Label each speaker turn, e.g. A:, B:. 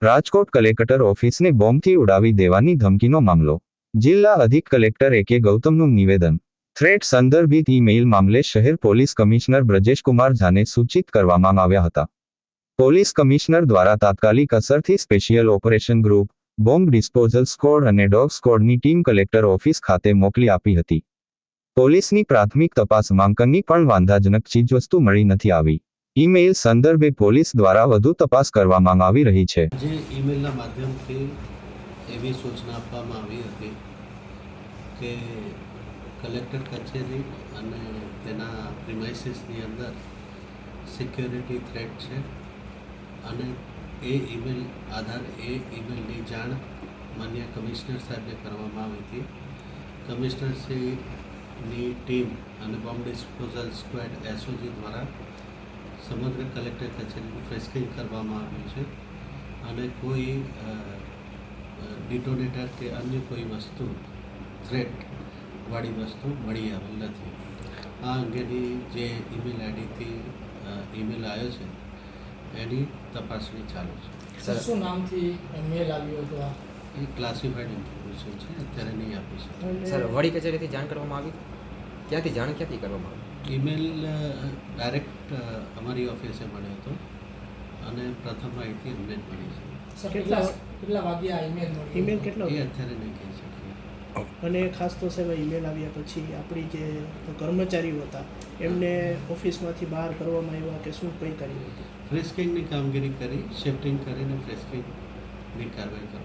A: Rajkot collector ઓફિસને બોમ્બથી ઉડાવી દેવાની ધમકીનો મામલો. જિલ્લા અધિક કલેક્ટર એ.કે. ગૌતમનું નિવેદન. થ્રેટ સંદર્ભિત ઈ-મેઇલ મામલે શહેર પોલીસ કમિશનર બ્રજેશકુમાર ઝાને સૂચિત કરવામાં આવ્યા હતા. પોલીસ કમિશનર દ્વારા તાત્કાલિક અસરથી special operation group, bomb disposal squad અને ડોગ સ્ક્વોડની ટીમ કલેક્ટર ઓફિસ ખાતે મોકલી આપી હતી. પોલીસની પ્રાથમિક તપાસમાં કંઈ પણ વાંધાજનક ચીજવસ્તુ મળી નથી આવી. ઈ-મેઇલ સંદર્ભે પોલીસ દ્વારા વધુ તપાસ કરવામાં આવી રહી છે.
B: જે ઈમેલના માધ્યમથી એવી સૂચના આપવામાં આવી હતી કે કલેક્ટર કચેરી અને તેના પ્રિમાઇસીસની અંદર સિક્યોરિટી થ્રેટ છે અને એ ઈમેલની જાણ માન્ય કમિશનર સાહેબને કરવામાં આવી હતી. કમિશનરશ્રીની ટીમ અને બોમ્બ ડિસ્પોઝલ સ્ક્વોડ એસઓજી દ્વારા સમગ્ર કલેક્ટર કચેરીનું ફ્રેસ્કિંગ કરવામાં આવ્યું છે અને કોઈ ડિટોનેટર કે અન્ય કોઈ વસ્તુ થ્રેટવાળી વસ્તુ મળી આવેલ નથી. આ અંગેની જે ઈમેલ આઈડીથી ઈમેલ આવ્યો છે એની તપાસણી ચાલુ છે.
C: શું નામથી મેલ આવ્યો હતો?
B: એ ક્લાસિફાઈડ ઇન્ફોર્મેશન છે, અત્યારે નહીં આપી શકે.
D: સર, વડી કચેરીથી જાણ કરવામાં આવી? ક્યાંથી કરવામાં આવી?
B: ઈમેલ ડાયરેક્ટ અમારી ઓફિસે મળ્યો હતો અને પ્રથમ માહિતી અમને જ મળી છે.
C: સર, કેટલા વાગ્યા ઈમેલ મળ્યો?
E: ઈમેલ કેટલો?
B: એ અત્યારે નહીં કહી શકીએ.
E: અને ખાસ તો સાહેબ ઈમેલ આવ્યા પછી આપણી જે કર્મચારીઓ હતા એમને ઓફિસમાંથી બહાર કરવામાં આવ્યા કે શું કંઈ કર્યું હતું?
B: ફ્રેસ્કિંગની કામગીરી કરી, શિફ્ટિંગ કરીને ફ્રેસ્કિંગની કાર્યવાહી કરવામાં